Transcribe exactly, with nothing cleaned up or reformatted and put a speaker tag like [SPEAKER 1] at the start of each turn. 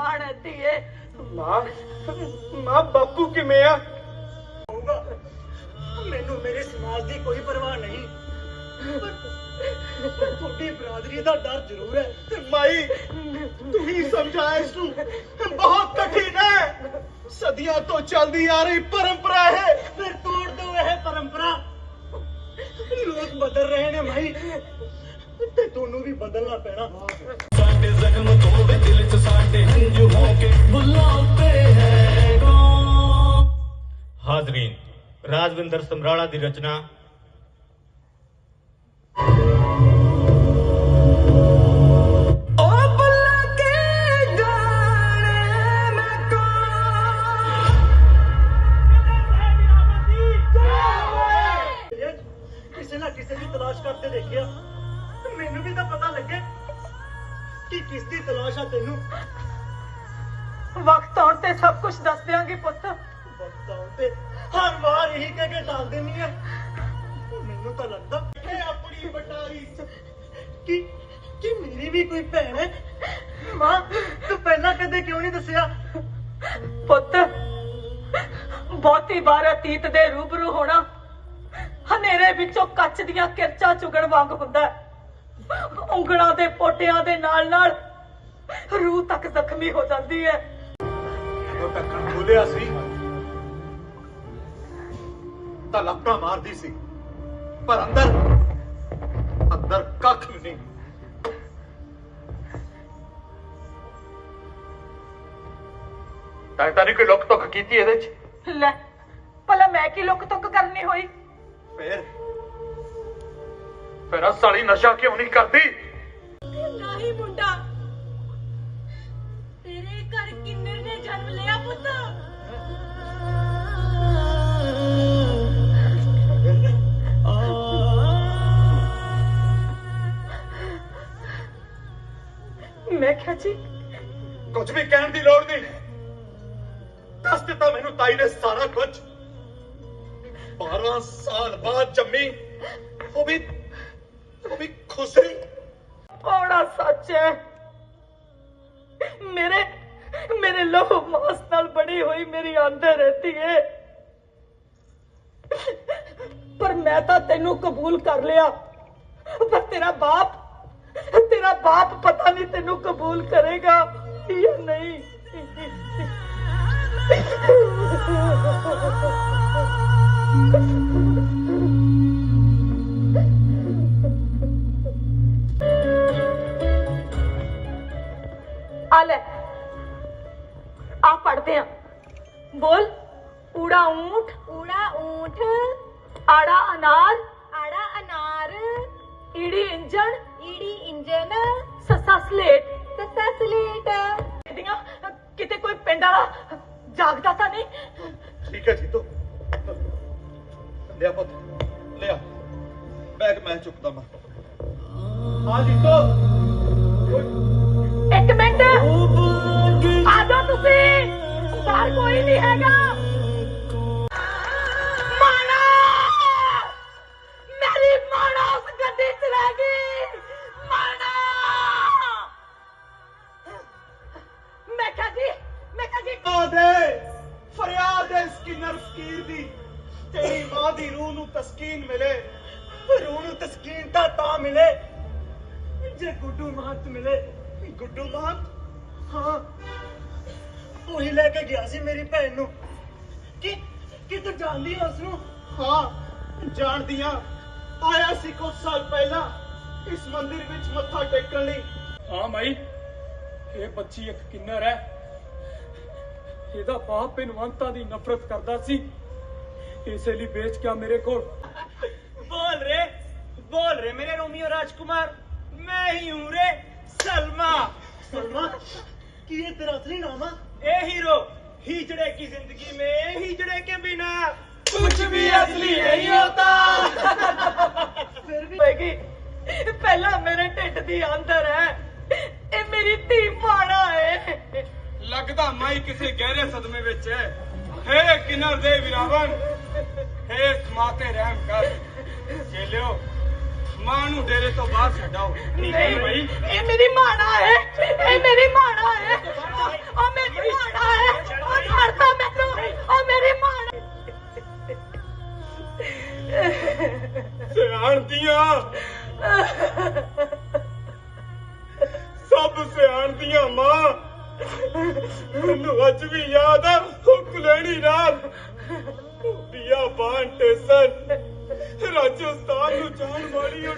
[SPEAKER 1] माण है धीए।
[SPEAKER 2] मां मां बापू किवें आ?
[SPEAKER 3] मैनू मेरे समाज की कोई परवाह नहीं, थोड़ी बरादरी का डर जरूर है।
[SPEAKER 2] माई तू ही समझा इसनू, बहुत कठिन है, सदियों तो चलती आ रही परंपरा है।
[SPEAKER 3] फिर तोड़ दो यह परंपरा। लोग बदल रहे ने भाई, ते दोनों भी बदलना पैना।
[SPEAKER 4] साडे जख्म तो वे दिल च साडे हंजू होके बुलाते हैं कौन।
[SPEAKER 5] हाजरीन, राजविंदर समराला की रचना
[SPEAKER 3] किसी ना किसी की तलाश करते देखिया, मैनू भी तो पता लगे कि किसकी तलाश है तेनू।
[SPEAKER 1] वक्त आउण ते सब कुछ दस देंगी पुत।
[SPEAKER 3] वक्त आउण ते हर बार यही कह के टाल देनी है। मैनू तो लगता है अपनी बटाई कि कि मेरी भी कोई भैन है। मां तू पहला कदे क्यों नहीं दसिया?
[SPEAKER 1] पुत बहुती बार अतीत दे रूबरू होना हनेरे विचों कच दियां किरचा चुगण वांग हुंदा है। उंगलां दे पोटियां दे नाल नाल रूह तक जख्मी हो जाती है।
[SPEAKER 2] ਜਦੋਂ ਢੱਕਣ ਖੋਲਿਆ ਸੀ ਤਾਂ ਲੱਪਾਂ ਮਾਰਦੀ ਸੀ, ਪਰ ਅੰਦਰ ਅੰਦਰ ਕੱਖ ਵੀ ਨਹੀਂ। ਤਾਂ ਤਾਂ ਨਹੀਂ ਕੋਈ ਲੁੱਕ ਤੁੱਕ ਕੀਤੀ ਇਹਦੇ ਚ?
[SPEAKER 1] ਲੈ ਭਲਾ ਮੈਂ ਕੀ ਲੁੱਕ ਤੁੱਕ ਕਰਨੀ ਹੋਈ?
[SPEAKER 2] ਫਿਰ ਫਿਰ ਆ ਸਾਲੀ ਨਸ਼ਾ ਕਿਉਂ ਨਹੀਂ ਕਰਦੀ?
[SPEAKER 1] ਨਹੀਂ ਮੁੰਡਾ, ਤੇਰੇ ਘਰ ਕਿੰਨਰ ਨੇ ਜਨਮ ਲਿਆ ਪੁੱਤ। ਮੈਂ ਕਿਹਾ ਜੀ
[SPEAKER 2] ਕੁਝ ਵੀ ਕਹਿਣ ਦੀ ਲੋੜ ਨਹੀਂ, ਦੱਸ ਦਿੱਤਾ ਮੈਨੂੰ ਤਾਈ ਨੇ ਸਾਰਾ ਕੁਝ। ਬਾਰਾਂ ਸਾਲ ਬਾਅਦ ਜੰਮੀ, ਉਹ ਵੀ ਉਹ ਵੀ ਖੁਸਰੀ।
[SPEAKER 1] ਬੜਾ ਸੱਚ ਹੈ, ਮੇਰੇ ਮੇਰੇ ਲਹੂ ਮਾਸ ਨਾਲ ਬਣੀ ਹੋਈ ਮੇਰੀ ਅੰਦਰ ਰਹਿਤੀ ਹੈ। ਪਰ ਮੈਂ ਤਾਂ ਤੈਨੂੰ ਕਬੂਲ ਕਰ ਲਿਆ, ਪਰ ਤੇਰਾ ਬਾਪ ਤੇਰਾ ਬਾਪ ਪਤਾ ਨਹੀਂ ਤੈਨੂੰ ਕਬੂਲ ਕਰੇਗਾ ਜਾਂ ਨਹੀਂ। आ ले आ पढ़ते हैं। बोल ऊड़ा ऊंट
[SPEAKER 6] ऊड़ा ऊंट,
[SPEAKER 1] आड़ा अनार
[SPEAKER 6] आड़ा अनार,
[SPEAKER 1] ईड़ी इंजन
[SPEAKER 6] ईड़ी इंजन,
[SPEAKER 1] ससा स्लेट।
[SPEAKER 6] ससा स्लेट।
[SPEAKER 1] दियां किते कोई पिंड वाला जागदा ता नहीं?
[SPEAKER 2] ठीक है जीतो, लिया पुत लिया बैग, मैं चुकता मैं। हाँ जीतो
[SPEAKER 1] एक मिनट आ जाओ, तुसी बाहर कोई नहीं हैगा। माना मेरी माना उस गड्डी च रह गई। माना मैं क्या जी मैं क्या जी
[SPEAKER 2] दे फरियाद है स्किनर फकीर दी, तेरी मां दी रूह नू तस्कीन मिले।
[SPEAKER 3] रूह नू तस्कीन ता ता मिले जे गुड्डू महंत मिले। गुड्डू महंत? हाँ, ਉਹੀ ਲੈ ਕੇ ਗਿਆ ਸੀ ਮੇਰੀ ਭੈਣ ਨੂੰ। ਕਿ ਕਿ ਤੂੰ ਜਾਣਦੀ ਹੈ ਉਸਨੂੰ?
[SPEAKER 2] हाँ ਜਾਣਦੀਆਂ, ਆਇਆ ਸੀ ਕੁਝ ਸਾਲ ਪਹਿਲਾਂ ਇਸ ਮੰਦਿਰ ਵਿੱਚ ਮੱਥਾ ਟੇਕਣ ਲਈ।
[SPEAKER 7] ਹਾਂ ਮਾਈ, ਇਹ ਬੱਚੀ ਇੱਕ ਕਿੰਨਰ ਹੈ। ਇਹਦਾ ਬਾਪ ਬੇਨਵੰਤਾਂ ਦੀ ਨਫ਼ਰਤ ਕਰਦਾ ਸੀ, ਇਸੇ ਲਈ ਵੇਚ ਕੇ ਮੇਰੇ ਕੋਲ।
[SPEAKER 3] बोल रे बोल रे मेरे रोमियो राजकुमार, मैं ही हूँ रे सलमा। सलमा की ये तेरा असली नाम है? ए हीरो, हिजड़े की जिंदगी में हिजड़े के बिना कुछ भी असली नहीं होता। फिर भी
[SPEAKER 1] होएगी, पहला मेरे ढिड दी अंदर है, ये मेरी धी माड़ा है।
[SPEAKER 7] ਲੱਗਦਾ ਮਾਈ ਕਿਸੇ ਗਹਿਰੇ ਸਦਮੇ ਵਿੱਚ ਹੈ। ਹੇ ਕਿਨਰ ਦੇ ਵਿਰਾਵਨ, ਹੇ ਸਮਾਤੇ ਰਹਿਮ ਕਰ। ਚੇਲਿਓ, ਮਾਂ ਨੂੰ ਡੇਰੇ ਤੋਂ ਬਾਹਰ ਛੱਡਾਓ।
[SPEAKER 1] नहीं भाई, ये मेरी माड़ा है, ये मेरी माड़ा है।
[SPEAKER 7] ਦੀਆਂ ਸਭ ਸਿਆਣਦੀਆਂ ਮਾਂ ਮੈਨੂੰ ਅੱਜ ਵੀ ਯਾਦ ਆ ਉਹ ਕੁਲੈਣੀ ਰਾਤ ਦੀਆ ਬਾਣ ਤੇ ਸਨ ਰਾਜਸਥਾਨ ਨੂੰ ਜਾਣ ਵਾਲੀ